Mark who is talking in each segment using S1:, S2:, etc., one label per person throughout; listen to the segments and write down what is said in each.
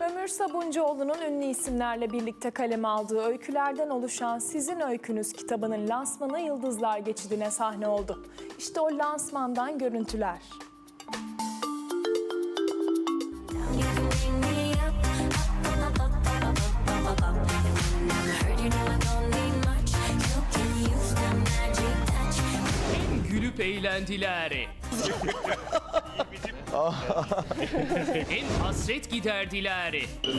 S1: Ömür Sabuncuoğlu'nun ünlü isimlerle birlikte kaleme aldığı öykülerden oluşan Sizin Öykünüz kitabının lansmanı Yıldızlar Geçidi'ne sahne oldu. İşte o lansmandan görüntüler.
S2: Hem gülüp eğlendiler. Hem hasret giderdiler.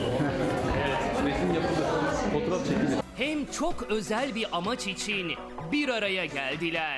S2: Hem çok özel bir amaç için bir araya geldiler.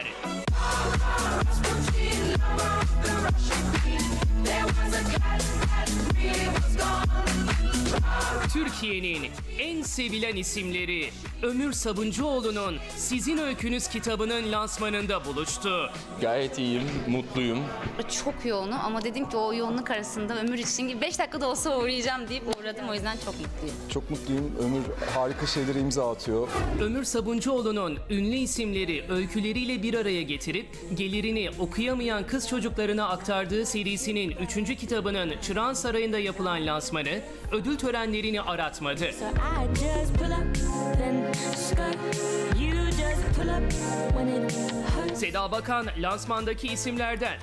S2: Türkiye'nin en sevilen isimleri Ömür Sabuncuoğlu'nun Sizin Öykünüz kitabının lansmanında buluştu.
S3: Gayet iyiyim, mutluyum.
S4: Çok yoğunum ama dedim ki o yoğunluk arasında Ömür için 5 dakikada olsa uğrayacağım deyip uğradım. O yüzden çok mutluyum.
S5: Çok mutluyum. Ömür harika şeylere imza atıyor.
S2: Ömür Sabuncuoğlu'nun ünlü isimleri öyküleriyle bir araya getirip gelirini okuyamayan kız çocuklarına aktardığı serisinin 3. kitabının Çırağan Sarayı'nda yapılan lansmanı ödül törenlerini aratmadı.
S6: I just pull up, then skirt. You just pull up when it hurts.
S2: Seda Bakan lansmandaki isimlerden.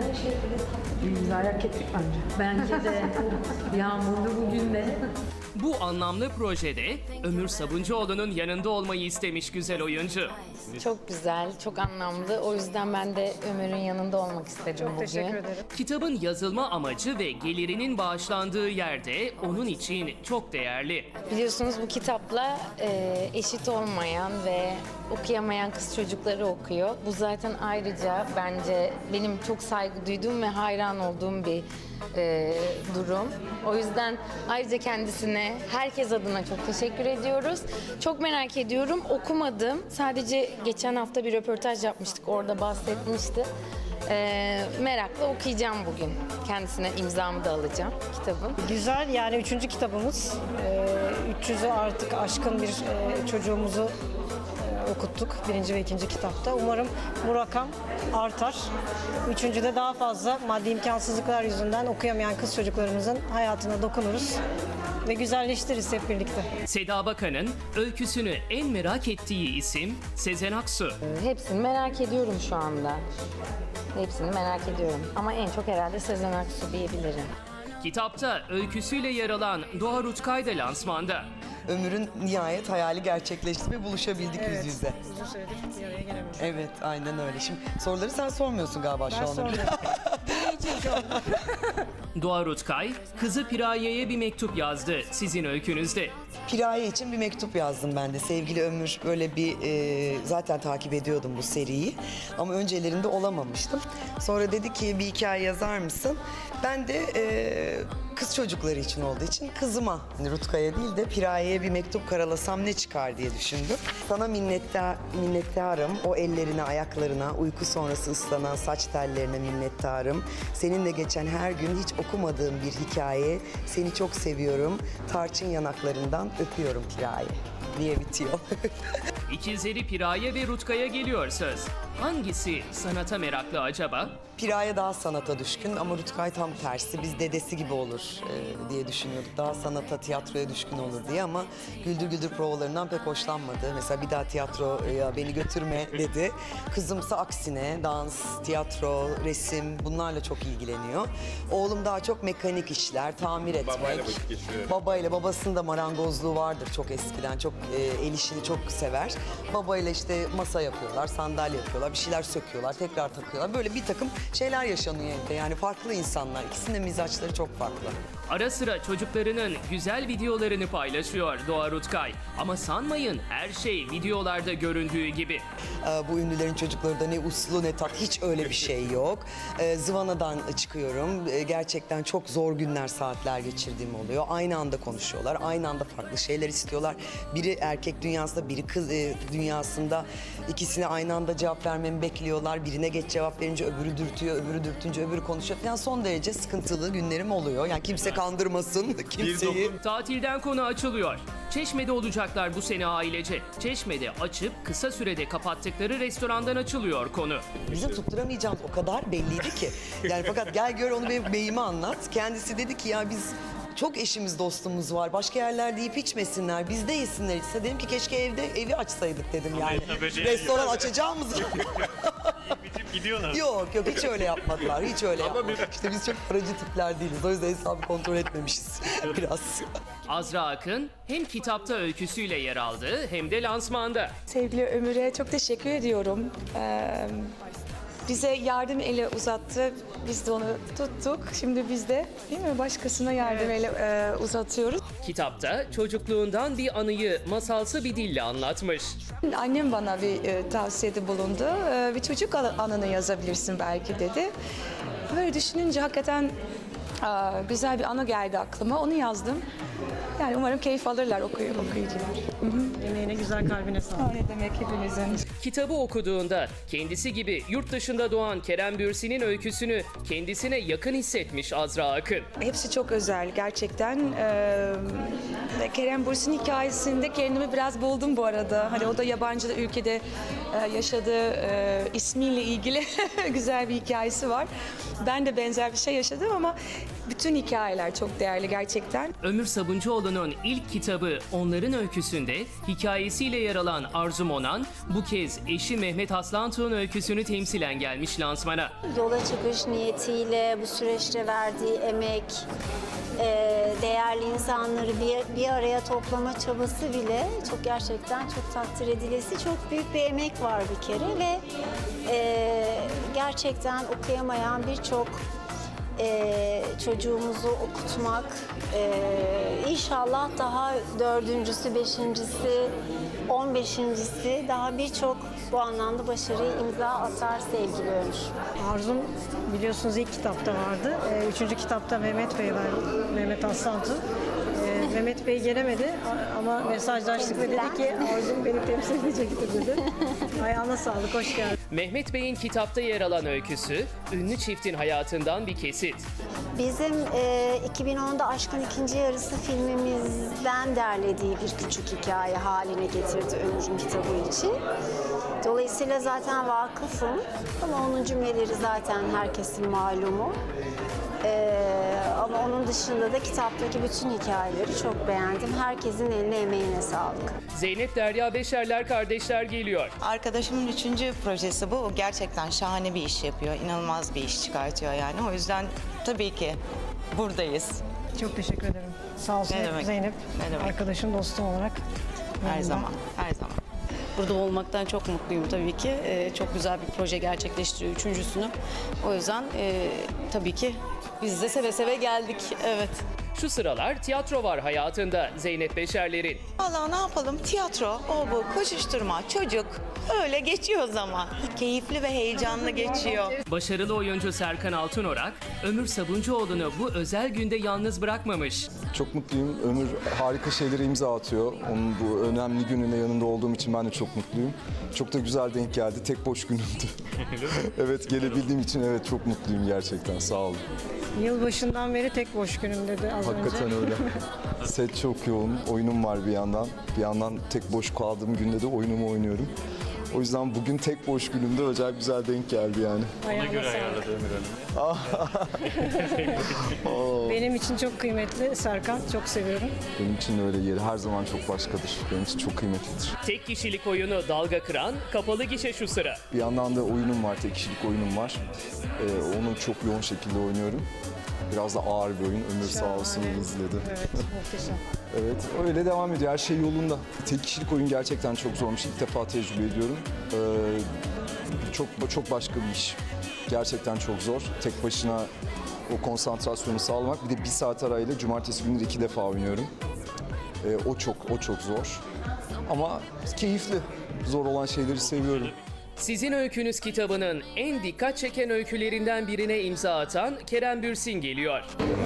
S7: Merak ettik bence. Bence de yağmurlu bugün de.
S2: Bu anlamlı projede Ömür Sabuncuoğlu'nun yanında olmayı istemiş güzel oyuncu.
S8: Çok güzel, çok anlamlı. O yüzden ben de Ömür'ün yanında olmak istedim bugün.
S7: Teşekkür ederim.
S2: Kitabın yazılma amacı ve gelirinin bağışlandığı yerde onun için çok değerli.
S8: Biliyorsunuz bu kitapla eşit olmayan ve okuyamayan kız çocukları okuyor. Bu zaten ayrıca bence benim çok saygı duyduğum ve hayran olduğum bir durum. O yüzden ayrıca kendisine, herkes adına çok teşekkür ediyoruz. Çok merak ediyorum. Okumadım. Sadece geçen hafta bir röportaj yapmıştık. Orada bahsetmişti. Merakla okuyacağım bugün. Kendisine imzamı da alacağım kitabın.
S9: Güzel, yani 3. kitabımız. 300'ü artık aşkın bir çocuğumuzu okuttuk 1. ve 2. kitapta. Umarım bu rakam artar. 3.'de daha fazla maddi imkansızlıklar yüzünden okuyamayan kız çocuklarımızın hayatına dokunuruz ve güzelleştiririz hep birlikte.
S2: Seda Bakan'ın öyküsünü en merak ettiği isim Sezen Aksu.
S8: Hepsini merak ediyorum şu anda. Hepsini merak ediyorum. Ama en çok herhalde Sezen Aksu diyebilirim.
S2: Kitapta öyküsüyle yer alan Doğa Rutkay da lansmanda.
S10: Ömür'ün nihayet hayali gerçekleşti ve buluşabildik yüz yüze.
S9: Uzun süredir bir araya gelemedik.
S10: Evet, aynen öyle. Şimdi soruları sen sormuyorsun galiba şu
S9: Ben
S10: anda.
S9: sormuyorum. Dinleyeceğim şu anda.
S2: Doğa Rutkay, kızı Piraye'ye bir mektup yazdı sizin öykünüzde.
S10: Piraye için bir mektup yazdım ben de. Sevgili Ömür, böyle bir zaten takip ediyordum bu seriyi. Ama öncelerinde olamamıştım. Sonra dedi ki bir hikaye yazar mısın? Ben de kız çocukları için olduğu için kızıma, hani Rutkay'a değil de Piraye'ye bir mektup karalasam ne çıkar diye düşündüm. Sana minnettarım. O ellerine, ayaklarına, uyku sonrası ıslanan saç tellerine minnettarım. Seninle geçen her gün hiç okumadığım bir hikaye. Seni çok seviyorum. Tarçın yanaklarından öpüyorum Piraye diye bitiyor.
S2: İkizleri Piraye ve Rutkay'a geliyor söz. Hangisi sanata meraklı acaba?
S10: Piraye daha sanata düşkün ama Rutkay tam tersi. Biz dedesi gibi olur diye düşünüyorduk. Daha sanata, tiyatroya düşkün olur diye ama Güldür Güldür provalarından pek hoşlanmadı. Mesela bir daha tiyatroya beni götürme dedi. Kızımsa aksine dans, tiyatro, resim bunlarla çok ilgileniyor. Oğlum daha çok mekanik işler, tamir etmek.
S3: Babayla vakit geçiriyor.
S10: Babayla, babasının da marangozluğu vardır çok eskiden. Çok el işini çok sever. Babayla işte masa yapıyorlar, sandalye yapıyorlar, bir şeyler söküyorlar, tekrar takıyorlar. Böyle bir takım şeyler yaşanıyor evde. Yani farklı insanlar. İkisinin de mizaçları çok farklı.
S2: Ara sıra çocuklarının güzel videolarını paylaşıyor Doğa Rutkay. Ama sanmayın her şey videolarda göründüğü gibi.
S10: Bu ünlülerin çocukları da ne uslu ne tat, hiç öyle bir şey yok. Zıvanadan çıkıyorum. Gerçekten çok zor günler, saatler geçirdiğim oluyor. Aynı anda konuşuyorlar. Aynı anda farklı şeyler istiyorlar. Biri erkek dünyasında, biri kız dünyasında. İkisine aynı anda cevap vermemi bekliyorlar. Birine geç cevap verince öbürü dürtüyor, öbürü dürtünce öbürü konuşuyor. Yani son derece sıkıntılı günlerim oluyor. Yani kimse kandırmasın kimseyi.
S2: Tatilden konu açılıyor. Çeşme'de olacaklar bu sene ailece. Çeşme'de açıp kısa sürede kapattıkları restorandan açılıyor konu.
S10: Bizim tutturamayacağımız o kadar belliydi ki. Yani fakat gel gör onu benim beyime anlat. Kendisi dedi ki ya biz çok eşimiz dostumuz var. Başka yerlerde yiyip içmesinler. Bizde yesinler içse. Dedim ki keşke evi açsaydık dedim yani. Restoran açacağımız.
S3: Gidiyorlar.
S10: Yok hiç öyle yapmadılar. Hiç öyle yapmadılar. İşte biz çok paracı tipler değiliz. O yüzden hesabı kontrol etmemişiz biraz.
S2: Azra Akın hem kitapta öyküsüyle yer aldı hem de lansmanda.
S11: Sevgili Ömür'e çok teşekkür ediyorum. Bize yardım eli uzattı. Biz de onu tuttuk. Şimdi biz de değil mi başkasına yardım eli uzatıyoruz.
S2: Kitapta çocukluğundan bir anıyı masalsı bir dille anlatmış.
S11: Annem bana bir tavsiyede bulundu. Bir çocuk anını yazabilirsin belki dedi. Böyle düşününce hakikaten güzel bir anı geldi aklıma. Onu yazdım. Yani umarım keyif alırlar okuyucular.
S9: Emeğine, güzel kalbine sağlık.
S11: Ne demek hepinizin.
S2: Kitabı okuduğunda kendisi gibi yurt dışında doğan Kerem Bürsin'in öyküsünü kendisine yakın hissetmiş Azra Akın.
S11: Hepsi çok özel gerçekten. Kerem Bürsin hikayesinde kendimi biraz buldum bu arada. Hani o da yabancı ülkede yaşadığı ismiyle ilgili güzel bir hikayesi var. Ben de benzer bir şey yaşadım ama bütün hikayeler çok değerli gerçekten.
S2: Ömür Sabuncuoğlu'nun ilk kitabı Onların Öyküsü'nde hikayesiyle yer alan Arzu Monan bu kez eşi Mehmet Aslantuğ'un öyküsünü temsilen gelmiş lansmana.
S12: Yola çıkış niyetiyle bu süreçte verdiği emek, değerli insanları bir araya toplama çabası bile çok gerçekten çok takdir edilesi, çok büyük bir emek var bir kere ve gerçekten okuyamayan birçok çocuğumuzu okutmak, inşallah daha 4.'sü, 5.'si, 15.'si daha birçok bu anlamda başarıyı imza atar sevgili Ömür.
S9: Arzum biliyorsunuz ilk kitapta vardı. Üçüncü kitapta Mehmet Bey var, Mehmet Aslantu. Mehmet Bey gelemedi ama mesajlaştık ve dedi ki Arzum beni temsil edecektir dedi. Ayağına sağlık, hoş geldin.
S2: Mehmet Bey'in kitapta yer alan öyküsü, ünlü çiftin hayatından bir kesit.
S12: Bizim 2010'da Aşkın İkinci Yarısı filmimizden derlediği bir küçük hikaye haline getirdi Ömür'ün kitabı için. Dolayısıyla zaten vakıfım ama onun cümleleri zaten herkesin malumu. Ama onun dışında da kitaptaki bütün hikayeleri çok beğendim. Herkesin eline emeğine sağlık.
S2: Zeynep Derya Beşerler kardeşler geliyor.
S13: Arkadaşımın 3. projesi bu. O gerçekten şahane bir iş yapıyor. İnanılmaz bir iş çıkartıyor yani. O yüzden tabii ki buradayız.
S9: Çok teşekkür ederim. Sağ olsun
S13: Ne demek?
S9: Zeynep.
S13: Ne demek?
S9: Arkadaşım, dostum olarak.
S13: Her zaman, her zaman.
S14: Burada olmaktan çok mutluyum tabii ki. Çok güzel bir proje gerçekleştiriyor üçüncüsünü. O yüzden tabii ki biz de seve seve geldik. Evet.
S2: Şu sıralar tiyatro var hayatında Zeynep Beşerler'in.
S13: Vallahi ne yapalım? Tiyatro, o bu, koşuşturma, çocuk. Öyle geçiyor zaman. Keyifli ve heyecanlı geçiyor.
S2: Başarılı oyuncu Serkan Altınorak, Ömür Sabuncuoğlu'nu bu özel günde yalnız bırakmamış.
S5: Çok mutluyum. Ömür harika şeylere imza atıyor. Onun bu önemli gününde yanında olduğum için ben de çok mutluyum. Çok da güzel denk geldi. Tek boş günümdü. Evet, gelebildiğim için evet çok mutluyum gerçekten. Sağ olun.
S9: Yılbaşından beri tek boş günüm dedi az
S5: Hakikaten
S9: önce.
S5: öyle. Set çok yoğun. Oyunum var bir yandan. Bir yandan tek boş kaldığım günde de oyunumu oynuyorum. O yüzden bugün tek boş günümde özel güzel denk geldi yani.
S9: Ayağına sağlık. Benim için çok kıymetli Serkan, çok seviyorum.
S5: Benim için öyle yeri her zaman çok başkadır. Benim için çok kıymetlidir.
S2: Tek kişilik oyunu dalga kıran kapalı gişe şu sıra.
S5: Bir yandan da oyunum var, tek kişilik oyunum var. Onu çok yoğun şekilde oynuyorum. Biraz da ağır bir oyun. Ömür sağ olsun izledi.
S9: Evet, muhteşem.
S5: Evet, öyle devam ediyor. Her şey yolunda. Tek kişilik oyun gerçekten çok zormuş. İlk defa tecrübe ediyorum. Çok başka bir iş. Gerçekten çok zor. Tek başına o konsantrasyonu sağlamak. Bir de 1 saat arayla cumartesi günleri 2 defa oynuyorum. O çok zor. Ama keyifli. Zor olan şeyleri seviyorum.
S2: Sizin Öykünüz kitabının en dikkat çeken öykülerinden birine imza atan Kerem Bürsin geliyor.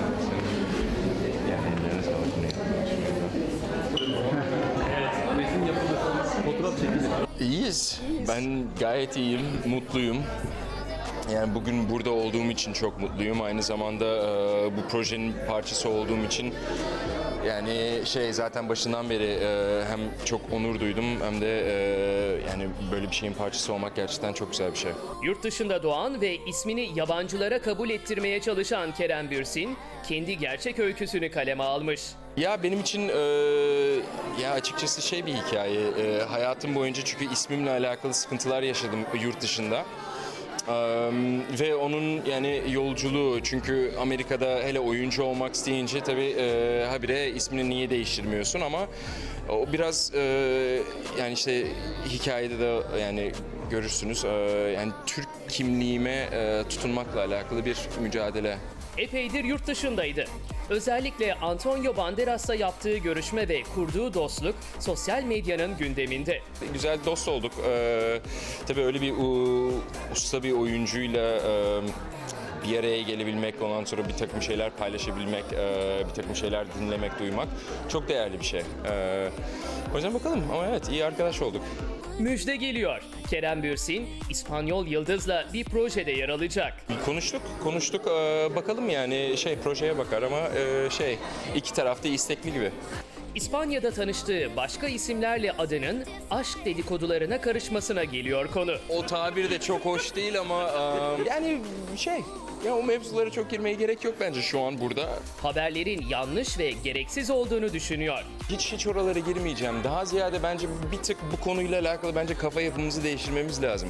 S3: İyiyiz. Ben gayet iyiyim, mutluyum. Yani bugün burada olduğum için çok mutluyum. Aynı zamanda bu projenin parçası olduğum için Yani zaten başından beri hem çok onur duydum hem de yani böyle bir şeyin parçası olmak gerçekten çok güzel bir şey.
S2: Yurt dışında doğan ve ismini yabancılara kabul ettirmeye çalışan Kerem Bürsin, kendi gerçek öyküsünü kaleme almış.
S3: Ya benim için ya açıkçası bir hikaye. Hayatım boyunca çünkü ismimle alakalı sıkıntılar yaşadım yurt dışında. Ve onun yani yolculuğu, çünkü Amerika'da hele oyuncu olmak isteyince tabii habire ismini niye değiştirmiyorsun, ama o biraz yani hikayede de yani görürsünüz yani Türk kimliğime tutunmakla alakalı bir mücadele.
S2: Epeydir yurt dışındaydı. Özellikle Antonio Banderas'la yaptığı görüşme ve kurduğu dostluk sosyal medyanın gündeminde.
S3: Güzel dost olduk. Tabii öyle bir usta bir oyuncuyla bir araya gelebilmek, ondan sonra bir takım şeyler paylaşabilmek, bir takım şeyler dinlemek, duymak çok değerli bir şey. O yüzden bakalım, ama evet, iyi arkadaş olduk.
S2: Müjde geliyor. Kerem Bürsin, İspanyol Yıldız'la bir projede yer alacak.
S3: Konuştuk. Bakalım yani projeye bakar, ama iki tarafta istekli gibi.
S2: İspanya'da tanıştığı başka isimlerle adının aşk dedikodularına karışmasına geliyor konu.
S3: O tabir de çok hoş değil ama yani ya o mevzulara çok girmeye gerek yok bence şu an burada.
S2: Haberlerin yanlış ve gereksiz olduğunu düşünüyor.
S3: Hiç oralara girmeyeceğim. Daha ziyade bence bir tık bu konuyla alakalı bence kafa yapımızı değiştirmemiz lazım.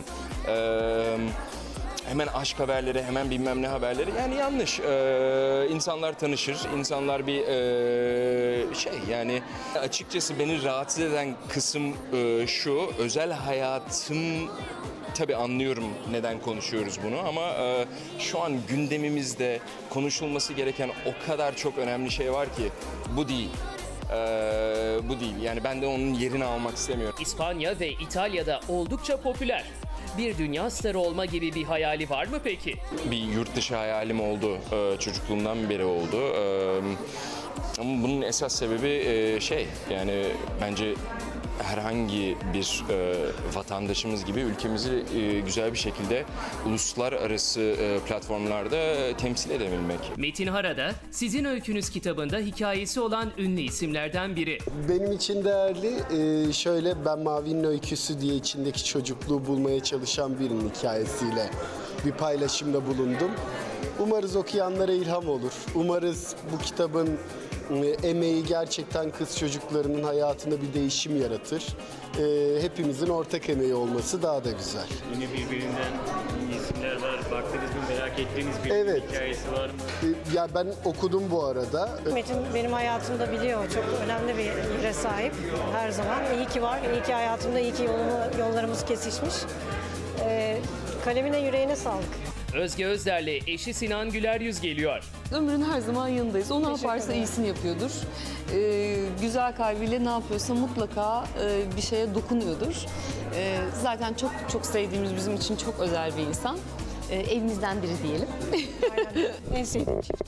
S3: Hemen aşk haberleri, hemen bilmem ne haberleri, yani yanlış. İnsanlar tanışır, insanlar bir yani açıkçası beni rahatsız eden kısım şu, özel hayatım, tabii anlıyorum neden konuşuyoruz bunu, ama şu an gündemimizde konuşulması gereken o kadar çok önemli şey var ki bu değil. Bu değil. Yani ben de onun yerini almak istemiyorum.
S2: İspanya ve İtalya'da oldukça popüler. Bir dünya starı olma gibi bir hayali var mı peki?
S3: Bir yurt dışı hayalim oldu. Çocukluğumdan beri oldu. Ama bunun esas sebebi yani bence herhangi bir vatandaşımız gibi ülkemizi güzel bir şekilde uluslararası platformlarda temsil edebilmek.
S2: Metin Hara da Sizin Öykünüz kitabında hikayesi olan ünlü isimlerden biri.
S15: Benim için değerli ben Mavi'nin öyküsü diye içindeki çocukluğu bulmaya çalışan birinin hikayesiyle bir paylaşımda bulundum. Umarız okuyanlara ilham olur. Umarız bu kitabın emeği gerçekten kız çocuklarının hayatında bir değişim yaratır. Hepimizin ortak emeği olması daha da güzel.
S16: Yine birbirinden iyi isimler var. Baktınız mı, merak ettiğiniz bir hikayesi var mı?
S15: Ya ben okudum bu arada.
S9: Metin benim hayatımda biliyor, çok önemli bir yere sahip her zaman. İyi ki var, iyi ki hayatımda, iyi ki yollarımız kesişmiş. Kalemine, yüreğine sağlık.
S2: Özge Özder'le eşi Sinan Güler-Yüz geliyor.
S17: Ömrün her zaman yanındayız. O ne yaparsa iyisini yapıyordur. Güzel kalbiyle ne yapıyorsa mutlaka bir şeye dokunuyordur. Zaten çok çok sevdiğimiz, bizim için çok özel bir insan. Evimizden biri diyelim.
S9: Aynen. En sevdiğim çift.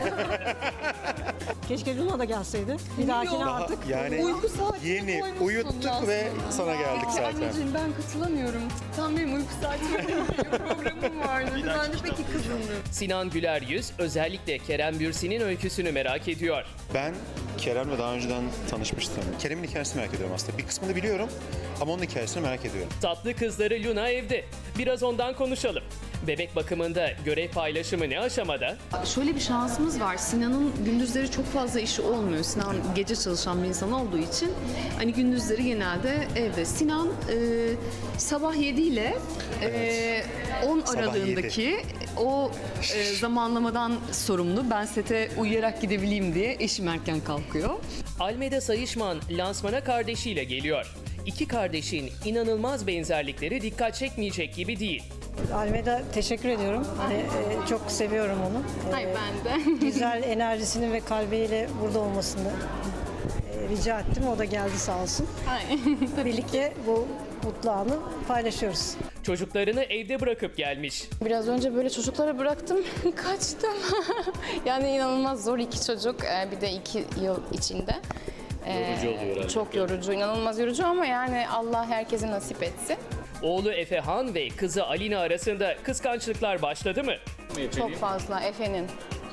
S9: Keşke Luna da gelseydi. Bir dahakine artık.
S18: Yani
S17: uyku saati
S18: yeni uyuttuk ve sana geldik zaten.
S17: Anneciğim ben katılamıyorum. Tam benim uyku saatime programım vardı. Ben de peki kızımdım.
S2: Sinan Güler-Yüz özellikle Kerem Bürsin'in öyküsünü merak ediyor.
S18: Ben Kerem'le daha önceden tanışmıştım. Kerem'in hikayesini merak ediyorum aslında. Bir kısmını biliyorum ama onun hikayesini merak ediyorum.
S2: Tatlı kızları Luna evde. Biraz ondan konuşalım. Bebek bakımında görev paylaşımı ne aşamada?
S17: Şöyle bir şansımız var. Sinan'ın gündüzleri çok fazla işi olmuyor. Sinan gece çalışan bir insan olduğu için hani gündüzleri genelde evde. Sinan sabah 7 ile 10 aralığındaki o zamanlamadan sorumlu. Ben sete uyuyarak gidebileyim diye eşim erken kalkıyor.
S2: Almeda Sayışman lansmana kardeşiyle geliyor. İki kardeşin inanılmaz benzerlikleri dikkat çekmeyecek gibi değil.
S9: Almeda, teşekkür ediyorum. Çok seviyorum onu.
S17: Hayır, ben de.
S9: Güzel enerjisini ve kalbiyle burada olmasını rica ettim. O da geldi sağ olsun. Birlikte bu mutlu anı paylaşıyoruz.
S2: Çocuklarını evde bırakıp gelmiş.
S19: Biraz önce böyle çocuklara bıraktım, kaçtım. Yani inanılmaz zor iki çocuk, bir de 2 yıl içinde.
S2: Yorucu oluyor herhalde.
S19: Çok yorucu, inanılmaz yorucu ama yani Allah herkese nasip etsin.
S2: Oğlu Efehan ve kızı Alina arasında kıskançlıklar başladı mı?
S19: Çok fazla Efe'nin.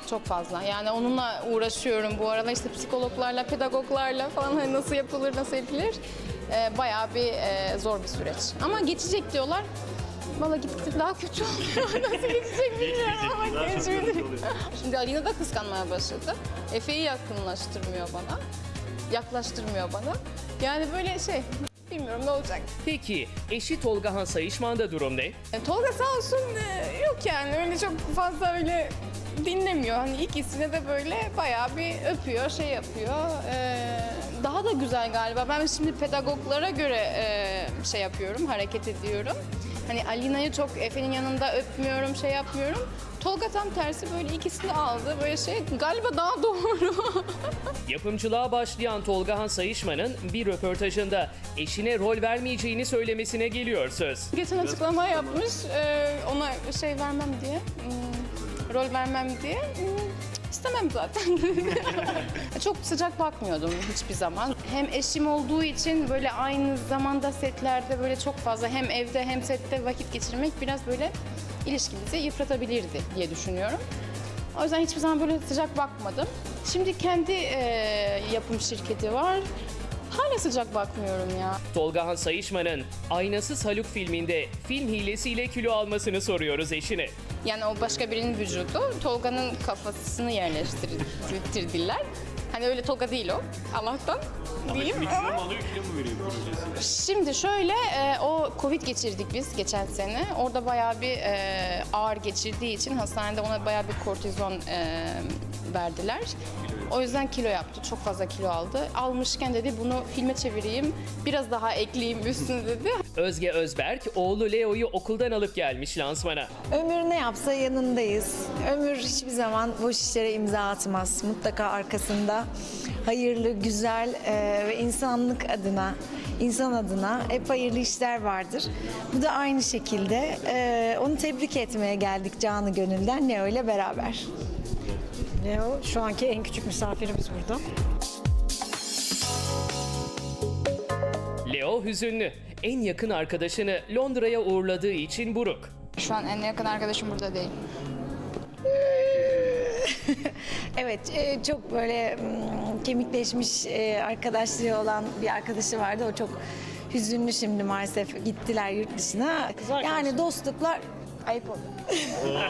S19: çok fazla. Yani onunla uğraşıyorum bu aralar işte psikologlarla, pedagoglarla falan hani nasıl yapılır, nasıl edilir. Bayağı bir zor bir süreç. Ama geçecek diyorlar. Valla gittikçe daha kötü oluyor. Nasıl geçecek bilmiyorum ama geçmedi. Şimdi Alina da kıskanmaya başladı. Efe'yi yakınlaştırmıyor bana. Yaklaştırmıyor bana. Yani böyle bilmiyorum ne olacak.
S2: Peki eşi Tolgahan Sayışman'da durum ne?
S19: Tolga sağ olsun yok yani öyle çok fazla öyle dinlemiyor. Hani ikisine de böyle bayağı bir öpüyor, yapıyor. Daha da güzel galiba. Ben şimdi pedagoglara göre yapıyorum, hareket ediyorum. Hani Alina'yı çok Efe'nin yanında öpmüyorum, yapmıyorum. Tolga tam tersi böyle ikisini aldı. Böyle galiba daha doğru.
S2: Yapımcılığa başlayan Tolgahan Sayışman'ın bir röportajında eşine rol vermeyeceğini söylemesine geliyor söz.
S19: Geçen açıklama yapmış. Ona vermem diye. Rol vermem diye. İstemem zaten. Çok sıcak bakmıyordum hiçbir zaman. Hem eşim olduğu için böyle aynı zamanda setlerde böyle çok fazla hem evde hem sette vakit geçirmek biraz böyle ilişkimizi yıpratabilirdi diye düşünüyorum. O yüzden hiçbir zaman böyle sıcak bakmadım. Şimdi kendi yapım şirketi var. Hala sıcak bakmıyorum ya.
S2: Tolgahan Sayışman'ın Aynasız Haluk filminde film hilesiyle kilo almasını soruyoruz eşine.
S19: Yani o başka birinin vücudu, Tolga'nın kafasını yerleştirdiler. Hani öyle Tolga değil o, Allah'tan diyeyim ama.
S16: Alıyor, kilo mu veriyor projesi?
S19: Şimdi o Covid geçirdik biz geçen sene. Orada bayağı bir ağır geçirdiği için hastanede ona bayağı bir kortizon verdiler. O yüzden kilo yaptı, çok fazla kilo aldı. Almışken dedi bunu filme çevireyim, biraz daha ekleyeyim üstüne dedi.
S2: Özge Özberk oğlu Leo'yu okuldan alıp gelmiş lansmana.
S20: Ömür ne yapsa yanındayız. Ömür hiçbir zaman boş işlere imza atmaz. Mutlaka arkasında hayırlı, güzel ve insan adına hep hayırlı işler vardır. Bu da aynı şekilde. Onu tebrik etmeye geldik canı gönülden Leo ile beraber.
S9: Leo şu anki en küçük misafirimiz burada.
S2: Leo hüzünlü. En yakın arkadaşını Londra'ya uğurladığı için buruk.
S19: Şu an en yakın arkadaşım burada değil.
S20: Evet, çok böyle kemikleşmiş arkadaşlığı olan bir arkadaşı vardı. O çok hüzünlü şimdi maalesef gittiler yurt dışına. Yani dostluklar ayıp oluyor.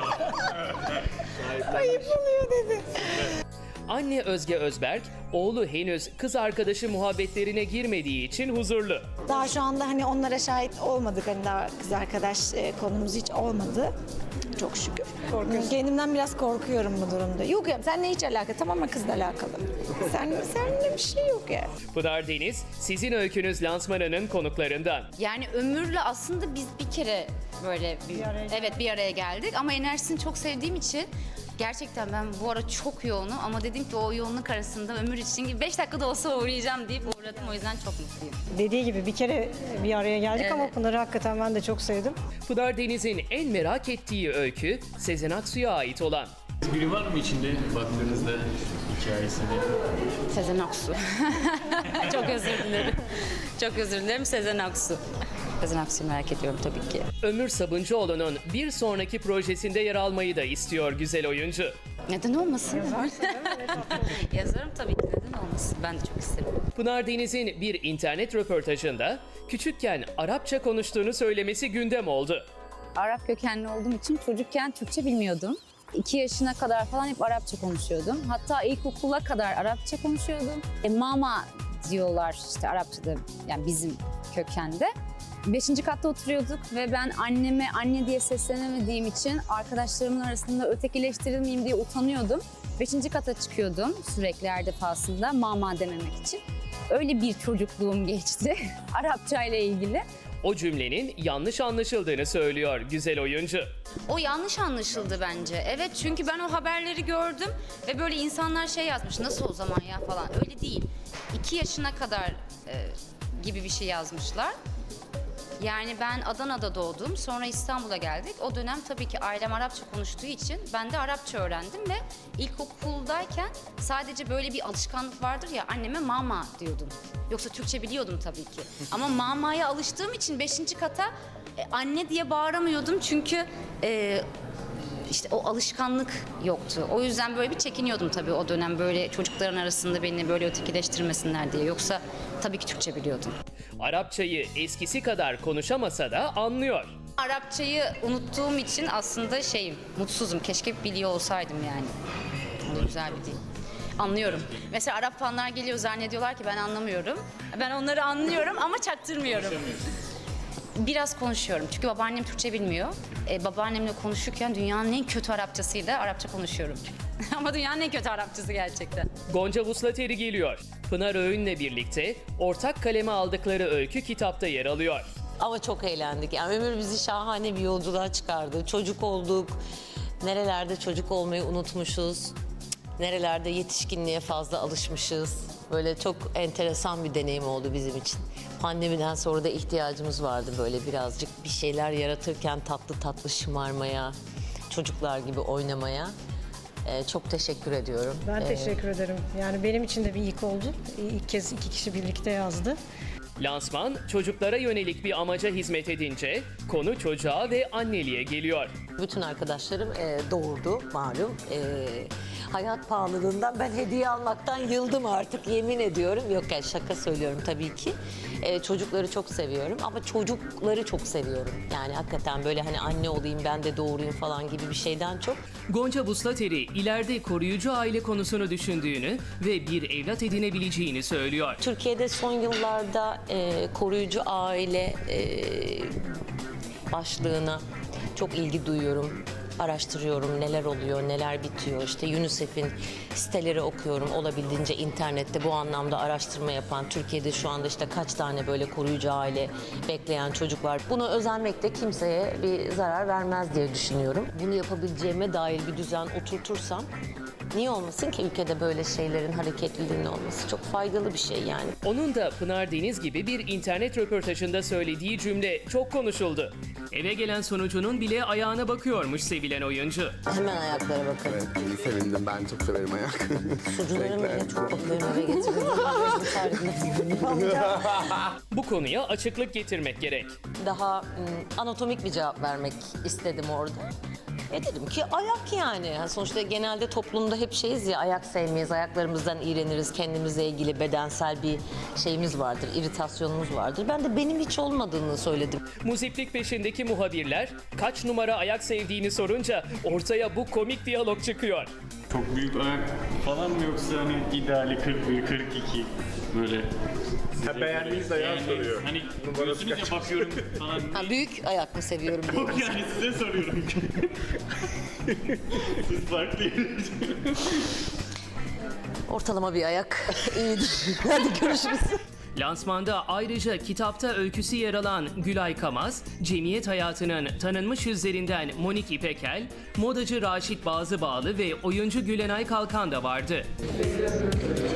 S20: Ayıp oluyor dedi.
S2: Anne Özge Özberk, oğlu henüz kız arkadaşı muhabbetlerine girmediği için huzurlu.
S20: Daha şu anda hani onlara şahit olmadık. Hani daha kız arkadaş konumuz hiç olmadı. Çok şükür. Kendimden biraz korkuyorum bu durumda. Yok ya seninle hiç alakalı. Tamamen kızla alakalı. Seninle bir şey yok ya.
S2: Pınar Deniz, sizin öykünüz lansmanının konuklarından.
S4: Yani Ömür'le aslında biz bir kere böyle bir araya geldik ama enerjisini çok sevdiğim için gerçekten ben bu ara çok yoğunum ama dedim ki o yoğunluk arasında Ömür için 5 dakikada olsa uğrayacağım deyip uğradım. O yüzden çok mutluyum.
S9: Dediği gibi bir kere bir araya geldik ama Pınar'ı hakikaten ben de çok sevdim.
S2: Pınar Deniz'in en merak ettiği öykü Sezen Aksu'ya ait olan.
S16: Biri var mı içinde baktığınızda hikayesinde?
S4: Sezen Aksu. Çok özür dilerim. Çok özür dilerim Sezen Aksu. Sezen Aksu'yu merak ediyorum tabii ki.
S2: Ömür Sabuncuoğlu'nun bir sonraki projesinde yer almayı da istiyor güzel oyuncu.
S4: Neden olmasın? Yazarım tabii ki, neden olmasın? Ben de çok isterim.
S2: Pınar Deniz'in bir internet röportajında küçükken Arapça konuştuğunu söylemesi gündem oldu.
S21: Arap kökenli olduğum için çocukken Türkçe bilmiyordum. 2 yaşına kadar falan hep Arapça konuşuyordum. Hatta ilkokula kadar Arapça konuşuyordum. Mama diyorlar işte Arapçada, yani bizim kökende. 5. katta oturuyorduk ve ben anneme anne diye seslenemediğim için arkadaşlarımın arasında ötekileştirilmeyeyim diye utanıyordum. 5. kata çıkıyordum sürekli her defasında mama dememek için. Öyle bir çocukluğum geçti Arapça ile ilgili.
S2: O cümlenin yanlış anlaşıldığını söylüyor güzel oyuncu.
S4: O yanlış anlaşıldı bence. Evet, çünkü ben o haberleri gördüm ve böyle insanlar yazmış. Nasıl o zaman ya falan. Öyle değil. 2 yaşına kadar gibi bir şey yazmışlar. Yani ben Adana'da doğdum. Sonra İstanbul'a geldik. O dönem tabii ki ailem Arapça konuştuğu için ben de Arapça öğrendim ve ilkokuldayken sadece böyle bir alışkanlık vardır ya, anneme mama diyordum. Yoksa Türkçe biliyordum tabii ki. Ama mamaya alıştığım için 5. kata anne diye bağıramıyordum çünkü işte o alışkanlık yoktu. O yüzden böyle bir çekiniyordum tabii o dönem, böyle çocukların arasında beni böyle ötekileştirmesinler diye. Yoksa tabii ki Türkçe biliyordum.
S2: Arapçayı eskisi kadar konuşamasa da anlıyor.
S4: Arapçayı unuttuğum için aslında mutsuzum. Keşke biliyor olsaydım yani. O da güzel bir dil. Anlıyorum. Mesela Arap fanlar geliyor, zannediyorlar ki ben anlamıyorum. Ben onları anlıyorum ama çaktırmıyorum. Biraz konuşuyorum çünkü babaannem Türkçe bilmiyor. Babaannemle konuşurken dünyanın en kötü Arapçasıyla Arapça konuşuyorum. Ama dünyanın en kötü Arapçası gerçekten.
S2: Gonca Vuslateri geliyor. Pınar Öğün'le birlikte ortak kaleme aldıkları öykü kitapta yer alıyor.
S1: Ama çok eğlendik. Yani ömür bizi şahane bir yolculuğa çıkardı. Çocuk olduk. Nerelerde çocuk olmayı unutmuşuz. Nerelerde yetişkinliğe fazla alışmışız. Böyle çok enteresan bir deneyim oldu bizim için. Pandemiden sonra da ihtiyacımız vardı böyle birazcık bir şeyler yaratırken tatlı tatlı şımarmaya, çocuklar gibi oynamaya. Çok teşekkür ediyorum.
S9: Ben teşekkür ederim. Yani benim için de bir ilk oldu. İlk kez 2 kişi birlikte yazdı.
S2: Lansman çocuklara yönelik bir amaca hizmet edince konu çocuğa ve anneliğe geliyor.
S1: Bütün arkadaşlarım doğurdu malum. Hayat pahalılığından ben hediye almaktan yıldım artık, yemin ediyorum. Yok yani şaka söylüyorum tabii ki. Çocukları çok seviyorum ama çocukları çok seviyorum. Yani hakikaten böyle hani anne olayım ben de doğurayım falan gibi bir şeyden çok.
S2: Gonca Vuslateri ileride koruyucu aile konusunu düşündüğünü ve bir evlat edinebileceğini söylüyor.
S1: Türkiye'de son yıllarda koruyucu aile başlığına çok ilgi duyuyorum. Araştırıyorum neler oluyor, neler bitiyor. İşte UNICEF'in siteleri okuyorum. Olabildiğince internette bu anlamda araştırma yapan, Türkiye'de şu anda işte kaç tane böyle koruyucu aile bekleyen çocuk var. Bunu özenmek de kimseye bir zarar vermez diye düşünüyorum. Bunu yapabileceğime dair bir düzen oturtursam niye olmasın ki ülkede böyle şeylerin hareketliliğinin olması? Çok faydalı bir şey yani.
S2: Onun da Pınar Deniz gibi bir internet röportajında söylediği cümle çok konuşuldu. Eve gelen sonucunun bile ayağına bakıyormuş sevilen oyuncu.
S1: Hemen ayaklara bakalım.
S15: Evet, iyi sevindim. Ben çok severim ayak.
S1: Sucuğumu bile çok bakıyorum eve getirdim.
S2: Bu konuya açıklık getirmek gerek.
S1: Daha anatomik bir cevap vermek istedim orada. Dedim ki ayak yani. Sonuçta genelde toplumda hep şeyiz ya, ayak sevmeyiz, ayaklarımızdan iğreniriz, kendimizle ilgili bedensel bir şeyimiz vardır, iritasyonumuz vardır. Ben de benim hiç olmadığını söyledim.
S2: Muziplik peşindeki muhabirler kaç numara ayak sevdiğini sorunca ortaya bu komik diyalog çıkıyor.
S16: Çok büyük ayak falan mı yoksa hani ideali 41, 42 böyle?
S18: Ha, beğendiğiniz ayağı soruyor.
S16: Hani diyorsunuz ya bakıyorum falan.
S1: Ha, büyük ayak mı seviyorum diye.
S16: Yok yani size soruyorum. Siz farklı.
S1: Ortalama bir ayak iyidir. Hadi görüşürüz.
S2: Lansmanda ayrıca kitapta öyküsü yer alan Gülay Kamaz, cemiyet hayatının tanınmış yüzlerinden Monik İpekel, modacı Raşit Bazıbağlı ve oyuncu Gülenay Kalkan da vardı.